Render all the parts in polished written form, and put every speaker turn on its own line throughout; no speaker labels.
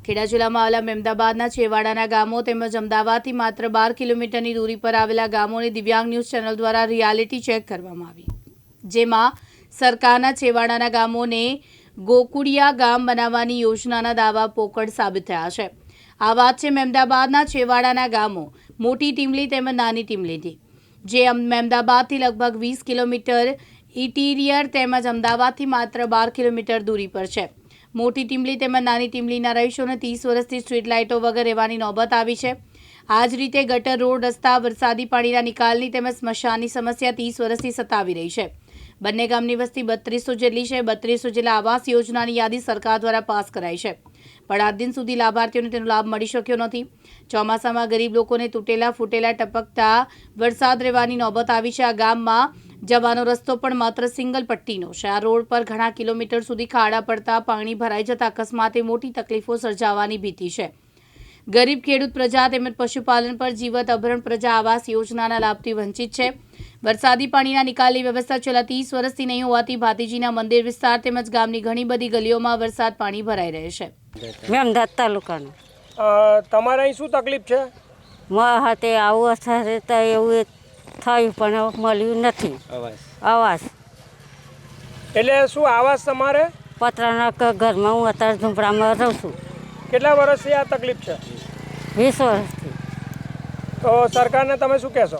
ખેડા જિલ્લામાં આવેલા મહેમદાબાદના છેવાડાના ગામો તેમજ અમદાવાદથી માત્ર 12 કિલોમીટરની દૂરી પર આવેલા ગામોની દિવ્યાંગ ન્યૂઝ ચેનલ દ્વારા રિયાલિટી ચેક કરવામાં આવી, જેમાં સરકારના છેવાડાના ગામોને ગોકુળિયા ગામ બનાવવાની યોજનાના દાવા પોકળ સાબિત થયા છે। આ વાત છે મહેમદાબાદના છેવાડાના ગામો મોટી ટીમલી તેમજ નાની ટીમલીથી, જે મહેમદાબાદથી લગભગ 20 કિલોમીટર ઇન્ટિરિયર તેમજ અમદાવાદથી માત્ર 12 કિલોમીટર દૂરી પર છે। મોટી ટીમલી તેમજ નાની ટીમલીના રહીશોને 30 વર્ષથી સ્ટ્રીટ લાઇટો વગર રહેવાની નોબત આવી છે। આ જ રીતે ગટર, રોડ, રસ્તા, વરસાદી પાણીના નિકાલની તેમજ સ્મશાનની સમસ્યા 30 વર્ષથી સતાવી રહી છે। બંને ગામની વસ્તી 3200 જેટલી છે। 3200 જેટલા આવાસ યોજનાની યાદી સરકાર દ્વારા પાસ કરાઈ છે, પણ આજ દિન સુધી લાભાર્થીઓને તેનો લાભ મળી શક્યો નથી। ચોમાસામાં ગરીબ લોકોને તૂટેલા ફૂટેલા ટપકતા વરસાદ રહેવાની નોબત આવી છે। આ ગામમાં જવાનો રસ્તો પણ માત્ર સિંગલ પટ્ટીનો છે। આ રોડ પર ઘણા કિલોમીટર સુધી ખાડા પડતા પાણી ભરાઈ જતા અકસ્માતે મોટી તકલીફો સર્જાવાની ભીતિ છે। ગરીબ ખેડૂત પ્રજા તેમજ પશુપાલન પર જીવત અભરણ પ્રજા આવાસ યોજનાના લાભથી વંચિત છે। વરસાદી પાણીના નિકાલની વ્યવસ્થા છેલ્લા 30 વર્ષથી નહીં હોવાથી ભાતીજીના મંદિર વિસ્તાર તેમજ ગામની ઘણી બધી ગલીઓમાં વરસાદ પાણી ભરાઈ રહે છે।
મહેમદાદ તાલુકાનું
તમારે અહીં શું તકલીફ છે?
હાથે આવું થશે તો એવું થયું પણ મળ્યું નથી આવાસ।
એટલે શું આવાસ તમારે?
પતરાના ઘરમાં હું અત્યારે ઝૂંપડામાં રહું છું।
કેટલા વર્ષથી આ તકલીફ છે?
20 વર્ષથી।
તો સરકારને તમે શું કહેશો?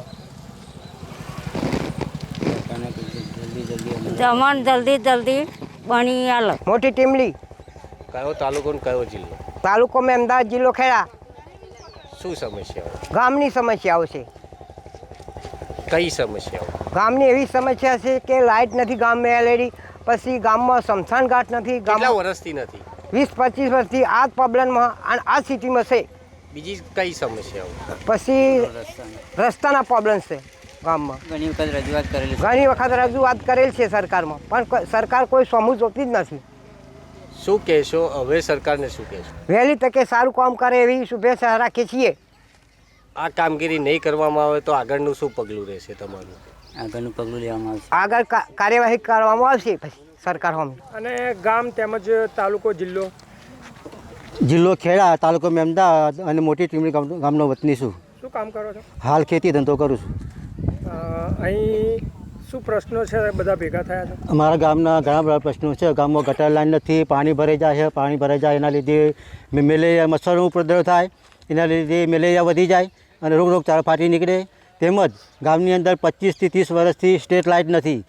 જમણ જલ્દી બની આલો।
મોટી ટીમલી
કયો તાલુકો ને કયો જિલ્લો?
તાલુકો મહેમદાવાદ, જિલ્લો ખેડા।
શું સમસ્યાઓ?
ગામની સમસ્યાઓ છે।
કઈ સમસ્યાઓ?
ગામની એવી સમસ્યા છે કે લાઇટ નથી ગામમાં એલઈડી, પછી ગામમાં સ્મશાન ઘાટ નથી।
કેટલા વર્ષથી નથી?
20-25 વર્ષથી આ જ પ્રોબ્લેમમાં અને આ સિટીમાં છે।
બીજી કઈ સમસ્યાઓ?
પછી રસ્તાના પ્રોબ્લેમ છે ગામમાં। ઘણી વખત રજૂઆત કરેલ છે સરકારમાં, પણ સરકાર કોઈ સમૂહ જોતી જ નથી।
શું કહેશો હવે સરકારને? શું કહેશો?
વહેલી તકે સારું કામ કરે એવી શુભેચ્છા રાખીએ છીએ।
આ કામગીરી નહીં કરવામાં આવે તો આગળનું શું પગલું રહેશે તમારું?
આગળનું પગલું લેવામાં આવશે,
આગળ કાર્યવાહી કરવામાં આવશે પછી સરકાર સામે।
અને ગામ તેમજ તાલુકો,
જિલ્લો ખેડા, તાલુકો મહેમદાવાદ અને મોટી ટીમલી ગામનો વતની છું।
શું કામ કરો છો?
હાલ ખેતી ધંધો કરું છું।
અહીં શું પ્રશ્નો છે? બધા ભેગા થયા છે?
અમારા ગામના ઘણા બધા પ્રશ્નો છે। ગામમાં ગટર લાઈન નથી, પાણી ભરાઈ જાય છે। પાણી ભરાઈ જાય એના લીધે મેલેરિયા, મચ્છરનો ઉપદ્રવ થાય, એના લીધે મેલેરિયા વધી જાય અને રોગચાળો ફાટી નીકળે। તેમજ ગામની અંદર 25 થી 30 વર્ષથી સ્ટ્રીટ લાઇટ નથી।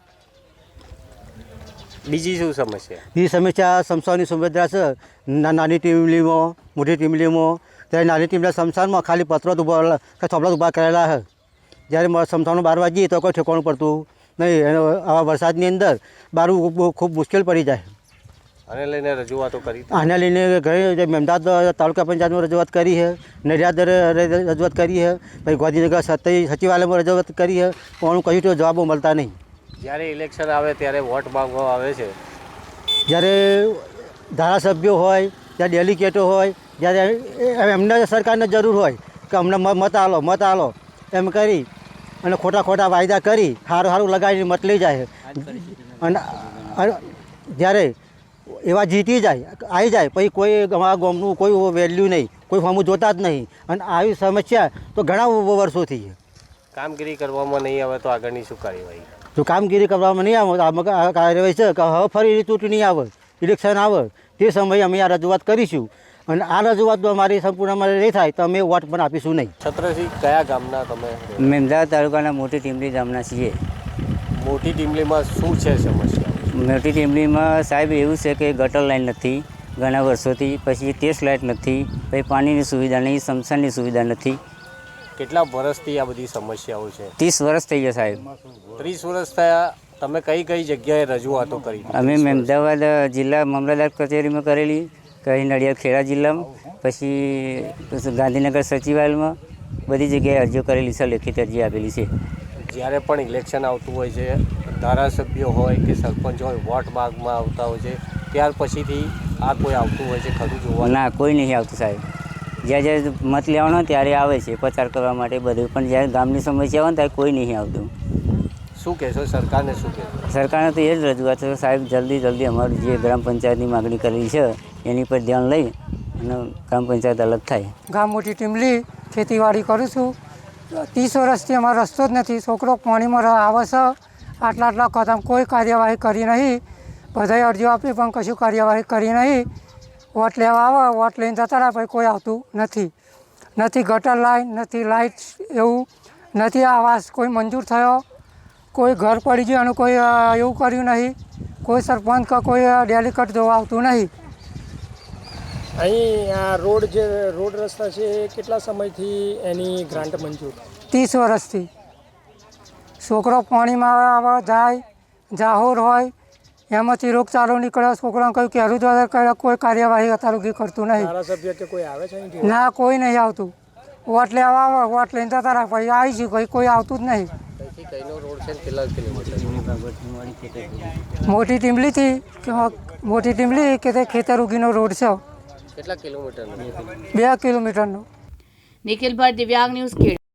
બીજી શું સમસ્યા?
એ સમસ્યા સ્મશાનની સુવિધા છે। નાની ટીમલીમાં, મોટી ટીમલીમાં, ત્યારે નાની ટીમના સ્મશાનમાં ખાલી પત્રો ઊભા થોપડા ઊભા કરેલા છે। જ્યારે સ્મશાનો બહાર જઈએ તો કોઈ ઠેકાણું પડતું નહીં। આવા વરસાદની અંદર બહાર ખૂબ મુશ્કેલ પડી જાય।
આને લઈને રજૂઆતો કરી?
આને લઈને ઘણી મહેમદાવાદ તાલુકા પંચાયતમાં રજૂઆત કરી છે, નડિયાદ રજૂઆત કરી છે, પછી ગાંધીનગર સચિવાલયમાં રજૂઆત કરી છે, પણ કશું તો જવાબો મળતા નહીં।
જ્યારે ઇલેક્શન આવે ત્યારે વોટ માંગવા આવે છે,
જ્યારે ધારાસભ્યો હોય, ત્યારે ડેલિગેટો હોય, જ્યારે એમને સરકારને જરૂર હોય કે અમને મત આલો એમ કરી અને ખોટા વાયદા કરી સારું લગાવીને મત લઈ જાય। અને જ્યારે એવા જીતી જાય, આવી જાય, પછી કોઈ અમારા ગામનું કોઈ વેલ્યુ નહીં, કોઈ ફોર્મ જોતા જ નહીં। અને આવી સમસ્યા તો ઘણા વર્ષોથી છે।
કામગીરી કરવામાં નહીં આવે તો આગળની શું કાર્યવાહી?
જો કામગીરી કરવામાં નહીં આવે આ કાર્યવાહી છે કે હવે ફરી ચૂંટણી આવે, ઇલેક્શન આવે, તે સમયે અમે આ રજૂઆત કરીશું અને આ રજૂઆત અમારી સંપૂર્ણ નહીં થાય તો અમે વોટ પણ આપીશું નહીં।
છત્રસિંહ, કયા ગામના તમે?
મહેમદાવાદ તાલુકાના મોટી ટીમલી ગામના છીએ।
મોટી ટીમલીમાં શું છે સમસ્યા?
મોટી ટીમલીમાં સાહેબ એવું છે કે ગટર લાઈન નથી ઘણા વર્ષોથી, પછી ટેસ્ટ લાઇટ નથી, પછી પાણીની સુવિધા નહીં, સ્મશાનની સુવિધા નથી।
કેટલા વર્ષથી આ બધી સમસ્યાઓ છે?
30 વર્ષ થઈ ગયા સાહેબ।
30 વર્ષ થયા। તમે કઈ જગ્યાએ રજૂઆતો કરી?
અમે મહેમદાવાદ જિલ્લા મામલતદાર કચેરીમાં કરેલી, કઈ નડિયાદ ખેડા જિલ્લામાં, પછી ગાંધીનગર સચિવાલયમાં, બધી જગ્યાએ અરજીઓ કરેલી છે, લેખિત અરજી આપેલી છે।
જ્યારે પણ ઇલેક્શન આવતું હોય છે, ધારાસભ્યો હોય કે સરપંચ હોય વોટ માંગમાં આવતા હોય છે, ત્યાર પછીથી આ કોઈ આવતું હોય છે ખરું જોવા?
ના, કોઈ નહીં આવતું સાહેબ। જ્યારે મત લેવાનો ત્યારે આવે છે પ્રચાર કરવા માટે બધું, પણ જ્યારે ગામની સમસ્યા હોય ને ત્યારે કોઈ નહીં આવતું।
શું કહેશો સરકારને? શું કહેશો?
સરકારને તો એ જ રજૂઆત છે સાહેબ, જલ્દી અમારી જે ગ્રામ પંચાયતની માગણી કરેલી છે એની પર ધ્યાન લઈ અને ગ્રામ પંચાયત અલગ થાય.
ગામ મોટી ટીમલી ખેતીવાડી કરું છું. 30 વર્ષથી અમારો રસ્તો જ નથી. છોકરો પાણીમાં આવે છે. આટલા કદમ કોઈ કાર્યવાહી કરી નહીં. બધાએ અરજીઓ આપી પણ કશું કાર્યવાહી કરી નહીં. વોટ લેવા આવે, વોટ લઈને જતા રહ્યા, પછી કોઈ આવતું નથી. નથી ગટર લાઈન, નથી લાઇટ, એવું નથી આવાસ કોઈ મંજૂર થયો. કોઈ ઘર પડી ગયું અને કોઈ એવું કર્યું નહીં. કોઈ સરપંચ કે કોઈ ડેલિકેટ જોવા આવતું નહીં.
અહીં આ રોડ રસ્તા છે એ કેટલા સમયથી એની ગ્રાન્ટ મંજૂર?
30 વર્ષથી. છોકરો પાણીમાં આવે જાય, જાહોર હોય, એમાંથી રોગચાળો નીકળે. છોકરાને કહ્યું કે હરું દ્વારા કરે, કોઈ કાર્યવાહી અત્યારે કરતું નહીં.
ધારાસભ્ય કે કોઈ આવે છે અહીંથી?
ના, કોઈ નહીં આવતું. વોટ લેવા આવે, વોટ લઈને જતા રહ્યા, પછી આવીશું, પછી કોઈ આવતું જ નહીં. મોટી ટીમલી કે તે ખેતર ઉગીનો રોડ છે.
કેટલા કિલોમીટર?
2 કિલોમીટરનો.
નિખિલ ભટ્ટ, દિવ્યાંગ ન્યૂઝ, ખેડા.